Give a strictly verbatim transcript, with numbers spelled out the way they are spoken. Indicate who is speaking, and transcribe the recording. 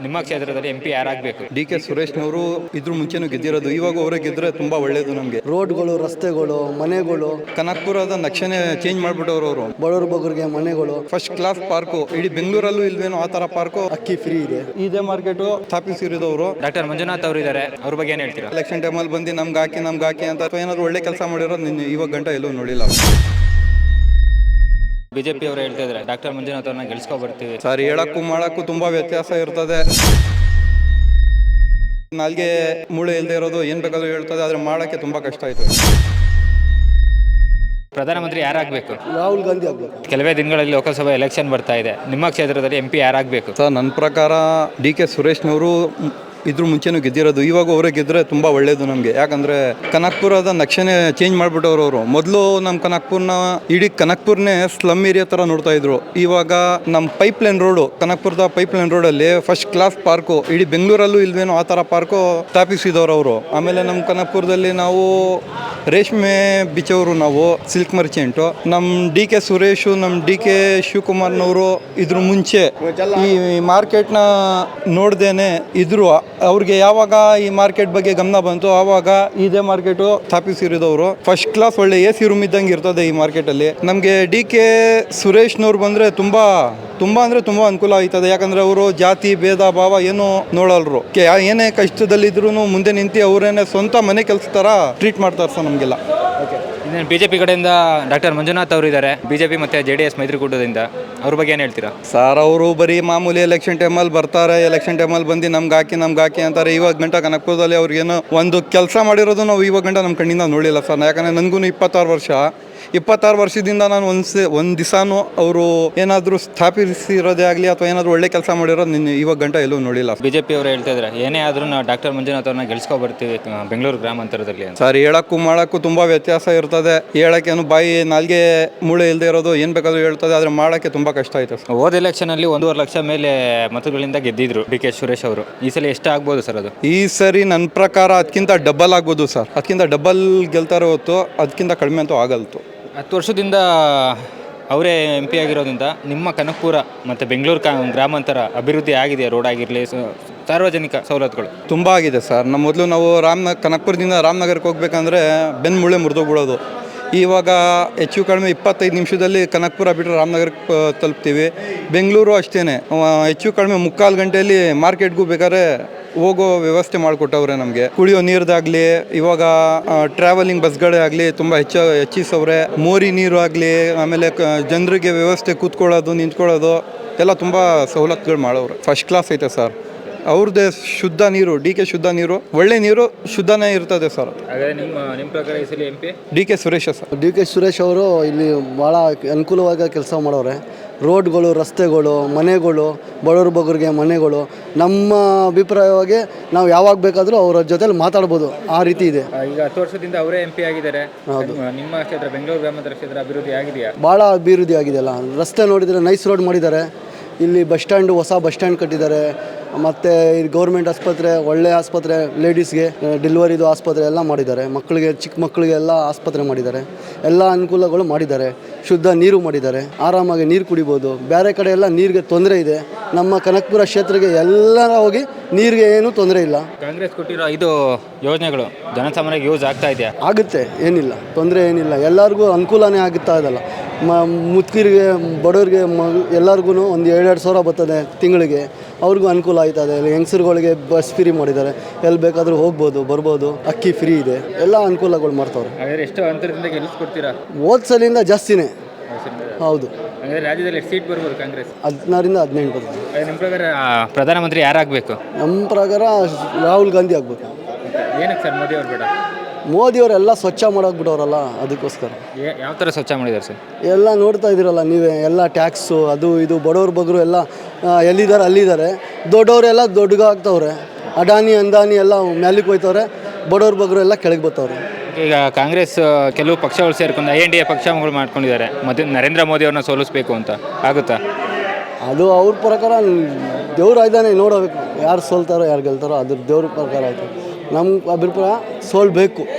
Speaker 1: ನಿಮ್ಮ ಕ್ಷೇತ್ರದಲ್ಲಿ M P ಯಾರಾಗಬೇಕು?
Speaker 2: ಡಿ ಕೆ ಸುರೇಶ್ನವರು ಇದ್ರ ಮುಂಚೆನೂ ಗೆದ್ದಿರೋದು, ಇವಾಗ ಅವರೇ ಗೆದ್ರೆ ತುಂಬಾ ಒಳ್ಳೇದು ನಮಗೆ.
Speaker 3: ರೋಡ್ಗಳು, ರಸ್ತೆಗಳು, ಮನೆಗಳು,
Speaker 2: ಕನಕಪುರದ ನಕ್ಷೆನೇ ಚೇಂಜ್ ಮಾಡ್ಬಿಟ್ಟವ್ರು ಅವರು.
Speaker 3: ಬಡವ್ರ ಬಗ್ಗರಿಗೆ ಮನೆಗಳು,
Speaker 2: ಫಸ್ಟ್ ಕ್ಲಾಸ್ ಪಾರ್ಕು ಇಡೀ ಬೆಂಗಳೂರಲ್ಲೂ ಇಲ್ವೇನೋ ಆ ತರ ಪಾರ್ಕು.
Speaker 3: ಅಕ್ಕಿ ಫ್ರೀ ಇದೆ.
Speaker 2: ಇದೇ ಮಾರ್ಕೆಟ್ ಸ್ಥಾಪಿಸಿರೋದವರು.
Speaker 1: ಡಾಕ್ಟರ್ ಮಂಜುನಾಥ್ ಅವರು ಇದ್ದಾರೆ, ಅವ್ರ ಬಗ್ಗೆ ಏನು ಹೇಳ್ತೀರಾ?
Speaker 2: ಎಲೆಕ್ಷನ್ ಟೈಮಲ್ಲಿ ಬಂದು ನಮ್ಗೆ ಹಾಕಿ ನಮ್ಗೆ ಹಾಕಿ ಅಂತ ಏನಾದ್ರು ಒಳ್ಳೆ ಕೆಲಸ ಮಾಡಿರೋದು ನಿನ್ನೆ ಇವಾಗ ಗಂಟ ಎಲ್ಲೂ ನೋಡಿಲ್ಲ.
Speaker 1: ಬಿಜೆಪಿ ಅವರು ಹೇಳ್ತಾ ಇದ್ದಾರೆ ಡಾಕ್ಟರ್ ಮಂಜುನಾಥ್ ಅವ್ರನ್ನ ಗೆಲ್ಸ್ಕೊ ಬರ್ತೀವಿ.
Speaker 2: ಸರ್, ಹೇಳಕ್ಕೂ ಮಾಡಕ್ಕೂ ತುಂಬಾ ವ್ಯತ್ಯಾಸ ಇರ್ತದೆ. ನಾಲ್ಗೆ ಮೂಳೆ ಇಲ್ಲದೆ ಇರೋದು ಏನ್ ಬೇಕಾದ್ರೂ ಹೇಳ್ತದೆ, ಆದ್ರೆ ಮಾಡಕ್ಕೆ ತುಂಬಾ ಕಷ್ಟ ಆಯ್ತು.
Speaker 1: ಪ್ರಧಾನಮಂತ್ರಿ ಯಾರಾಗಬೇಕು?
Speaker 3: ರಾಹುಲ್ ಗಾಂಧಿ ಆಗ್ಬೇಕು.
Speaker 1: ಕೆಲವೇ ದಿನಗಳಲ್ಲಿ ಲೋಕಸಭಾ ಎಲೆಕ್ಷನ್ ಬರ್ತಾ ಇದೆ, ನಿಮ್ಮ ಕ್ಷೇತ್ರದಲ್ಲಿ ಎಂ ಪಿ ಯಾರಾಗಬೇಕು?
Speaker 2: ಸರ್, ನನ್ನ ಪ್ರಕಾರ ಡಿ ಕೆ ಸುರೇಶ್ನವರು ಇದ್ರ ಮುಂಚೆನೂ ಗೆದ್ದಿರೋದು, ಇವಾಗ ಅವರೇ ಗೆದ್ರೆ ತುಂಬ ಒಳ್ಳೇದು ನಮಗೆ. ಯಾಕಂದರೆ ಕನಕಪುರದ ನಕ್ಷೆನೇ ಚೇಂಜ್ ಮಾಡಿಬಿಟ್ಟವ್ರು ಅವರು. ಮೊದಲು ನಮ್ಮ ಕನಕಪುರನ ಇಡೀ ಕನಕಪುರನೇ ಸ್ಲಮ್ ಏರಿಯಾ ಥರ ನೋಡ್ತಾ ಇದ್ರು. ಇವಾಗ ನಮ್ಮ ಪೈಪ್ ಲೈನ್ ರೋಡು, ಕನಕಪುರದ ಪೈಪ್ ಲೈನ್ ರೋಡಲ್ಲಿ ಫಸ್ಟ್ ಕ್ಲಾಸ್ ಪಾರ್ಕು ಇಡೀ ಬೆಂಗಳೂರಲ್ಲೂ ಇಲ್ವೇನೋ ಆ ಥರ ಪಾರ್ಕು ಸ್ಥಾಪಿಸಿದವರು ಅವರು. ಆಮೇಲೆ ನಮ್ಮ ಕನಕಪುರದಲ್ಲಿ ನಾವು ರೇಷ್ಮೆ ಬಿಚ್ಚವರು, ನಾವು ಸಿಲ್ಕ್ ಮರ್ಚೆಂಟು. ನಮ್ಮ ಡಿ ಕೆ ಸುರೇಶು, ನಮ್ಮ ಡಿ ಕೆ ಶಿವಕುಮಾರ್ನವರು ಇದ್ರ ಮುಂಚೆ ಈ ಮಾರ್ಕೆಟ್ನ ನೋಡ್ದೇನೆ ಇದ್ರು. ಅವ್ರಿಗೆ ಯಾವಾಗ ಈ ಮಾರ್ಕೆಟ್ ಬಗ್ಗೆ ಗಮನ ಬಂತು, ಆವಾಗ ಇದೇ ಮಾರ್ಕೆಟು ಸ್ಥಾಪಿಸಿರೋದವರು. ಫಸ್ಟ್ ಕ್ಲಾಸ್ ಒಳ್ಳೆ ಎ ಸಿ ರೂಮ್ ಇದ್ದಂಗೆ ಇರ್ತದೆ ಈ ಮಾರ್ಕೆಟಲ್ಲಿ. ನಮಗೆ ಡಿ ಕೆ ಸುರೇಶ್ನವ್ರು ಬಂದರೆ ತುಂಬ ತುಂಬ ಅಂದರೆ ತುಂಬ ಅನುಕೂಲ ಆಯ್ತದೆ. ಯಾಕಂದರೆ ಅವರು ಜಾತಿ ಭೇದ ಭಾವ ಏನು ನೋಡಲ್ರು. ಏನೇ ಕಷ್ಟದಲ್ಲಿದ್ರು ಮುಂದೆ ನಿಂತು ಅವರೇನೆ ಸ್ವಂತ ಮನೆ ಕೆಲಸ ಥರ ಟ್ರೀಟ್ ಮಾಡ್ತಾರೆ ಸರ್ ನಮಗೆಲ್ಲ.
Speaker 1: ಇನ್ನೇನು ಬಿಜೆಪಿ ಕಡೆಯಿಂದ ಡಾಕ್ಟರ್ ಮಂಜುನಾಥ್ ಅವರು ಇದ್ದಾರೆ, ಬಿಜೆಪಿ ಮತ್ತು ಜೆ ಡಿ ಎಸ್ ಮೈತ್ರಿಕೂಟದಿಂದ, ಅವ್ರ ಬಗ್ಗೆ ಏನು ಹೇಳ್ತೀರಾ?
Speaker 2: ಸರ್, ಅವರು ಬರೀ ಮಾಮೂಲಿ ಎಲೆಕ್ಷನ್ ಟೈಮಲ್ಲಿ ಬರ್ತಾರೆ, ಎಲೆಕ್ಷನ್ ಟೈಮಲ್ಲಿ ಬಂದು ನಮ್ಗೆ ಹಾಕಿ ನಮ್ಗೆ ಹಾಕಿ ಅಂತಾರೆ. ಇವಾಗ ಗಂಟ ಕನಕಪುರದಲ್ಲಿ ಅವ್ರಿಗೇನೋ ಒಂದು ಕೆಲಸ ಮಾಡಿರೋದು ನಾವು ಇವಾಗ ಗಂಟ ನಮ್ಮ ಕಣ್ಣಿಂದ ನೋಡಿಲ್ಲ ಸರ್. ಯಾಕಂದರೆ ನನಗೂ ಇಪ್ಪತ್ತಾರು ವರ್ಷ ಇಪ್ಪತ್ತಾರು ವರ್ಷದಿಂದ ನಾನು ಒಂದು ಒಂದು ದಿವಸನೂ ಅವರು ಏನಾದರೂ ಸ್ಥಾಪಿಸಿರೋದೇ ಆಗಲಿ ಅಥವಾ ಏನಾದರೂ ಒಳ್ಳೆ ಕೆಲಸ ಮಾಡಿರೋದು ನಿನ್ನೆ ಇವಾಗ ಗಂಟ ಎಲ್ಲೂ ನೋಡಿಲ್ಲ.
Speaker 1: ಬಿಜೆಪಿ ಅವರು ಹೇಳ್ತಾ ಇದ್ದಾರೆ ಏನೇ ಆದರೂ ನಾವು ಡಾಕ್ಟರ್ ಮಂಜುನಾಥ್ ಅವ್ರನ್ನ ಗೆಲ್ಸ್ಕೊ ಬರ್ತೀವಿ ಬೆಂಗಳೂರು ಗ್ರಾಮಾಂತರದಲ್ಲಿ.
Speaker 2: ಸರ್, ಹೇಳಕ್ಕೂ ಮಾಡೋಕ್ಕೂ ತುಂಬ ವ್ಯತ್ಯಾಸ ಇರ್ತದೆ. ಹೇಳೋಕ್ಕೇನು ಬಾಯಿ ನಾಲ್ಗೆ ಮೂಳೆ ಇಲ್ಲದೆ ಇರೋದು ಏನು ಬೇಕಾದರೂ ಹೇಳ್ತದೆ, ಆದರೆ ಮಾಡೋಕ್ಕೆ ತುಂಬ ಕಷ್ಟ ಆಯಿತು ಸರ್.
Speaker 1: ಹೋದ ಎಲೆಕ್ಷನಲ್ಲಿ ಒಂದೂವರೆ ಲಕ್ಷ ಮೇಲೆ ಮತಗಳಿಂದ ಗೆದ್ದಿದ್ರು ಡಿ ಕೆ ಸುರೇಶ್ ಅವರು. ಈ ಸಲ ಎಷ್ಟು ಆಗ್ಬೋದು ಸರ್ ಅದು?
Speaker 2: ಈ ಸರಿ ನನ್ನ ಪ್ರಕಾರ ಅದಕ್ಕಿಂತ ಡಬಲ್ ಆಗ್ಬೋದು ಸರ್. ಅದಕ್ಕಿಂತ ಡಬಲ್ ಗೆಲ್ತಾರೆ ಹೊತ್ತು ಅದಕ್ಕಿಂತ ಕಡಿಮೆ ಅಂತೂ ಆಗಲ್ತು.
Speaker 1: ಹತ್ತು ವರ್ಷದಿಂದ ಅವರೇ ಎಂ ಪಿ ಆಗಿರೋದ್ರಿಂದ ನಿಮ್ಮ ಕನಕಪುರ ಮತ್ತು ಬೆಂಗಳೂರು ಕ ಗ್ರಾಮಾಂತರ ಅಭಿವೃದ್ಧಿ ಆಗಿದೆ. ರೋಡ್ ಆಗಿರಲಿ, ಸಾರ್ವಜನಿಕ ಸವಲತ್ತುಗಳು ತುಂಬ
Speaker 2: ಆಗಿದೆ ಸರ್. ನಮ್ಮ ಮೊದಲು ನಾವು ರಾಮನಗರ ಕನಕಪುರದಿಂದ ರಾಮನಗರಕ್ಕೆ ಹೋಗ್ಬೇಕಂದ್ರೆ ಬೆನ್ನು ಮುಳ್ಳೆ ಮುರಿದೋಗ್ಬಿಡೋದು. ಇವಾಗ ಹೆಚ್ಚು ಕಡಿಮೆ ಇಪ್ಪತ್ತೈದು ನಿಮಿಷದಲ್ಲಿ ಕನಕಪುರ ಬಿಟ್ಟರೆ ರಾಮನಗರಕ್ಕೆ ತಲುಪ್ತೀವಿ. ಬೆಂಗಳೂರು ಅಷ್ಟೇ, ಹೆಚ್ಚು ಕಡಿಮೆ ಮುಕ್ಕಾಲು ಗಂಟೆಯಲ್ಲಿ ಮಾರ್ಕೆಟ್ಗೂ ಬೇಕಾದ್ರೆ ಹೋಗೋ ವ್ಯವಸ್ಥೆ ಮಾಡಿಕೊಟ್ಟವ್ರೆ ನಮಗೆ. ಕುಡಿಯೋ ನೀರ್ದಾಗಲಿ, ಇವಾಗ ಟ್ರಾವೆಲಿಂಗ್ ಬಸ್ಗಳೇ ಆಗಲಿ ತುಂಬ ಹೆಚ್ಚು ಹೆಚ್ಚಿಸವ್ರೆ. ಮೋರಿ ನೀರು ಆಗಲಿ, ಆಮೇಲೆ ಜನರಿಗೆ ವ್ಯವಸ್ಥೆ ಕೂತ್ಕೊಳ್ಳೋದು ನಿಂತ್ಕೊಳ್ಳೋದು ಎಲ್ಲ ತುಂಬ ಸವಲತ್ತುಗಳು ಮಾಡೋರು. ಫಸ್ಟ್ ಕ್ಲಾಸ್ ಐತೆ ಸರ್. ಅವ್ರದ್ದೇ ಶುದ್ಧ ನೀರು, ಡಿ ಕೆ ಶುದ್ಧ ನೀರು, ಒಳ್ಳೆ ನೀರು, ಶುದ್ಧನೇ ಇರ್ತದೆ ಸರ್.
Speaker 1: ನಿಮ್ಮ ನಿಮ್ಮ ಪ್ರಕಾರ ಈ ಸಲ M P
Speaker 2: D K Suresh sir.
Speaker 3: D K Suresh ಅವರು ಇಲ್ಲಿ ಭಾಳ ಅನುಕೂಲವಾಗಿ ಕೆಲಸ ಮಾಡೋರೆ. ರೋಡ್ಗಳು, ರಸ್ತೆಗಳು, ಮನೆಗಳು, ಬಡವ್ರ ಬಗ್ಗರಿಗೆ ಮನೆಗಳು. ನಮ್ಮ ಅಭಿಪ್ರಾಯವಾಗಿ ನಾವು ಯಾವಾಗ ಬೇಕಾದರೂ ಅವರ ಜೊತೆಲಿ ಮಾತಾಡ್ಬೋದು, ಆ ರೀತಿ ಇದೆ.
Speaker 1: ಈಗ ಹತ್ತು ವರ್ಷದಿಂದ ಅವರೇ ಎಂ ಪಿ ಆಗಿದ್ದಾರೆ. ನಿಮ್ಮ ಕ್ಷೇತ್ರ ಬೆಂಗಳೂರು ಗ್ರಾಮಾಂತರ ಕ್ಷೇತ್ರ ಅಭಿವೃದ್ಧಿ ಆಗಿದೆಯಾ?
Speaker 3: ಭಾಳ ಅಭಿವೃದ್ಧಿ ಆಗಿದೆಯಲ್ಲ. ರಸ್ತೆ ನೋಡಿದರೆ ನೈಸ್ ರೋಡ್ ಮಾಡಿದ್ದಾರೆ. ಇಲ್ಲಿ ಬಸ್ ಸ್ಟ್ಯಾಂಡು, ಹೊಸ ಬಸ್ ಸ್ಟ್ಯಾಂಡ್ ಕಟ್ಟಿದ್ದಾರೆ. ಮತ್ತು ಇಲ್ಲಿ ಗೌರ್ಮೆಂಟ್ ಆಸ್ಪತ್ರೆ, ಒಳ್ಳೆ ಆಸ್ಪತ್ರೆ, ಲೇಡೀಸ್ಗೆ ಡೆಲಿವರಿದು ಆಸ್ಪತ್ರೆ ಎಲ್ಲ ಮಾಡಿದ್ದಾರೆ. ಮಕ್ಕಳಿಗೆ, ಚಿಕ್ಕ ಮಕ್ಕಳಿಗೆ ಎಲ್ಲ ಆಸ್ಪತ್ರೆ ಮಾಡಿದ್ದಾರೆ. ಎಲ್ಲ ಅನುಕೂಲಗಳು ಮಾಡಿದ್ದಾರೆ. ಶುದ್ಧ ನೀರು ಮಾಡಿದ್ದಾರೆ. ಆರಾಮಾಗಿ ನೀರು ಕುಡಿಬೋದು. ಬೇರೆ ಕಡೆ ಎಲ್ಲ ನೀರಿಗೆ ತೊಂದರೆ ಇದೆ. ನಮ್ಮ ಕನಕಪುರ ಕ್ಷೇತ್ರಕ್ಕೆ ಎಲ್ಲರ ಹೋಗಿ ನೀರಿಗೆ ಏನೂ ತೊಂದರೆ ಇಲ್ಲ.
Speaker 1: ಕಾಂಗ್ರೆಸ್ ಕೊಟ್ಟಿರೋ ಐದು ಯೋಜನೆಗಳು ಜನಸಾಮಾನ್ಯರಿಗೆ ಯೂಸ್ ಆಗ್ತಾ ಇದೆಯಾ?
Speaker 3: ಆಗುತ್ತೆ, ಏನಿಲ್ಲ ತೊಂದರೆ ಏನಿಲ್ಲ. ಎಲ್ಲರಿಗೂ ಅನುಕೂಲನೇ ಆಗುತ್ತಾ ಇದಲ್ಲ. ಮ ಮುದುಕಿರಿಗೆ, ಬಡವ್ರಿಗೆ, ಮ ಎಲ್ಲರಿಗೂ ಒಂದು ಎರಡೆರಡು ಸಾವಿರ ಬರ್ತದೆ ತಿಂಗಳಿಗೆ. ಅವ್ರಿಗೂ ಅನುಕೂಲ ಆಯ್ತದೆ. ಹೆಂಗಸರುಗಳಿಗೆ ಬಸ್ ಫ್ರೀ ಮಾಡಿದ್ದಾರೆ. ಎಲ್ಲಿ ಬೇಕಾದರೂ ಹೋಗ್ಬೋದು, ಬರ್ಬೋದು. ಅಕ್ಕಿ ಫ್ರೀ ಇದೆ. ಎಲ್ಲ ಅನುಕೂಲಗಳು ಮಾಡ್ತಾವ್ರೆ.
Speaker 1: ಎಷ್ಟು ಅಂತರದಿಂದ ಗೆಲ್ಲಿಸ್ಕೊಡ್ತೀರಾ?
Speaker 3: ಹೋದ ಸಲಿಂದ ಜಾಸ್ತಿನೇ. ಹೌದು.
Speaker 1: ರಾಜ್ಯದಲ್ಲಿ ಎಷ್ಟು ಸೀಟ್ ಬರ್ಬೋದು ಕಾಂಗ್ರೆಸ್?
Speaker 3: ಹದಿನಾರಿಂದ ಹದಿನೆಂಟು ಬರ್ತದೆ.
Speaker 1: ನಿಮ್ಮ ಪ್ರಕಾರ ಪ್ರಧಾನಮಂತ್ರಿ ಯಾರಾಗಬೇಕು?
Speaker 3: ನಮ್ಮ ಪ್ರಕಾರ ರಾಹುಲ್ ಗಾಂಧಿ ಆಗಬೇಕು.
Speaker 1: ಏನಕ್ಕೆ ಸರ್ ಮೋದಿ ಅವ್ರು ಬೇಡ?
Speaker 3: ಮೋದಿಯವರೆಲ್ಲ ಸ್ವಚ್ಛ ಮಾಡೋಗ್ಬಿಟ್ಟವ್ರಲ್ಲ, ಅದಕ್ಕೋಸ್ಕರ.
Speaker 1: ಯಾವ ಥರ ಸ್ವಚ್ಛ ಮಾಡಿದ್ದಾರೆ ಸರ್?
Speaker 3: ಎಲ್ಲ ನೋಡ್ತಾ ಇದ್ದೀರಲ್ಲ ನೀವೇ. ಎಲ್ಲ ಟ್ಯಾಕ್ಸು, ಅದು ಇದು, ಬಡವ್ರ ಬಗ್ಗರು ಎಲ್ಲ ಎಲ್ಲಿದ್ದಾರೆ ಅಲ್ಲಿದ್ದಾರೆ. ದೊಡ್ಡವರೆಲ್ಲ ದೊಡ್ಡಗಾಗ್ತವ್ರೆ. ಅಡಾನಿ ಅಂದಾನಿ ಎಲ್ಲ ಮ್ಯಾಲಿಗೆ ಹೋಯ್ತವ್ರೆ. ಬಡವ್ರ ಬಗ್ಗರು ಎಲ್ಲ ಕೆಳಗೆ ಬರ್ತಾವ್ರೆ.
Speaker 1: ಈಗ ಕಾಂಗ್ರೆಸ್ ಕೆಲವು ಪಕ್ಷಗಳು ಸೇರ್ಕೊಂಡು ಐ ಎನ್ ಡಿ ಎ ಪಕ್ಷಗಳು ಮಾಡ್ಕೊಂಡಿದ್ದಾರೆ. ಮತ್ತು ನರೇಂದ್ರ ಮೋದಿ ಅವ್ರನ್ನ ಸೋಲಿಸ್ಬೇಕು ಅಂತ ಆಗುತ್ತಾ?
Speaker 3: ಅದು ಅವ್ರ ಪ್ರಕಾರ ದೇವ್ರು ಇದ್ದಾನೆ, ನೋಡಬೇಕು ಯಾರು ಸೋಲ್ತಾರೋ ಯಾರು ಗೆಲ್ತಾರೋ. ಅದ್ರ ದೇವ್ರ ಪ್ರಕಾರ ಆಯಿತು. ನಮ್ಮ ಅಭಿಪ್ರಾಯ ಸೋಲ್ಬೇಕು.